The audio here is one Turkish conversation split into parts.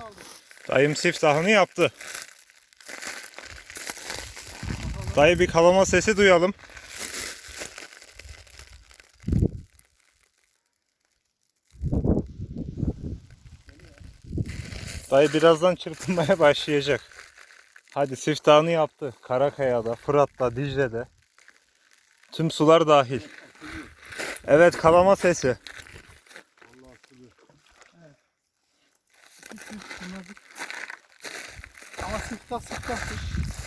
Dayım siftahını yaptı. Dayı bir kalama sesi duyalım. Dayı birazdan çırpınmaya başlayacak. Hadi siftahını yaptı. Karakaya'da, Fırat'ta, Dicle'de. Tüm sular dahil. Evet, kalama sesi. Ama sıktahtır.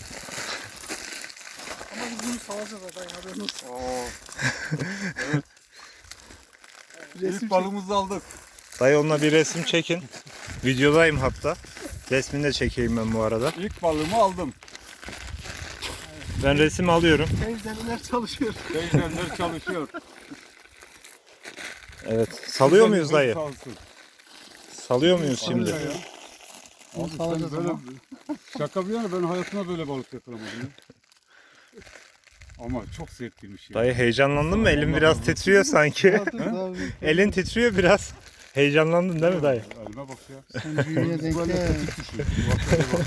Ama biz bunu salacağız adayın, haberin olsun. Evet. İlk balığımızı aldık. Dayı onunla bir resim çekin. Videodayım hatta. Resmini de çekeyim ben bu arada. İlk balığımı aldım. Ben resim alıyorum. Teyzeler çalışıyor. Teyzeler çalışıyor. Evet. Salıyor muyuz dayı? Sağ olsun. Salıyor muyuz şimdi? Ya. Bunu Abi sen salacağız böyle, ama. şaka bir yana ben hayatımda böyle balık yakalamadım ya. Ama çok zevkliymiş ya. Dayı heyecanlandın mı? Elin biraz titriyor sanki. Elin titriyor biraz. Heyecanlandın değil mi dayı? Elime bak ya. Sen büyüğüne denk Böyle gel. tetik düşüyor. Bak, bak.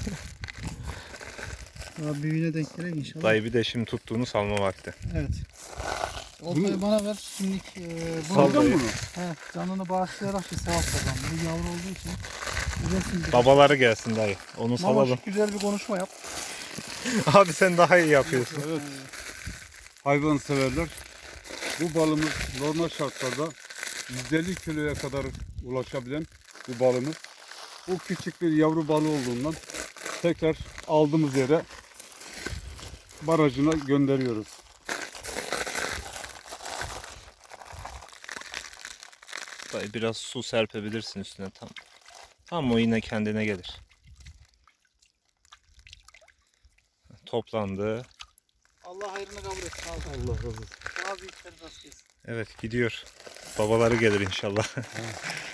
Daha büyüğüne denk gelir inşallah. Dayı bir de şimdi tuttuğunu salma vakti. Evet. Oltayı Bunu- bana ver. Şimdilik Sal bunu Aldın dayı. bunu. canını bağışlayarak bir sevap kazan. Bu yavru olduğu için. Üretim bir. Babaları gelsin dayı. Onu salalım. Mamaş güzel bir konuşma yap. Abi sen daha iyi yapıyorsun. Evet. Hayvan severler. Bu balımız normal şartlarda 150 kiloya kadar ulaşabilen bir balımız. Bu küçük bir yavru balığı olduğundan tekrar aldığımız yere barajına gönderiyoruz. Dayı biraz su serpebilirsin üstüne tam. Tam o yine kendine gelir. Toplandı. Allah hayrını kabul etsin. Allah Allah razı olsun. daha büyükleri rast gelsin. Evet gidiyor. Babaları gelir inşallah.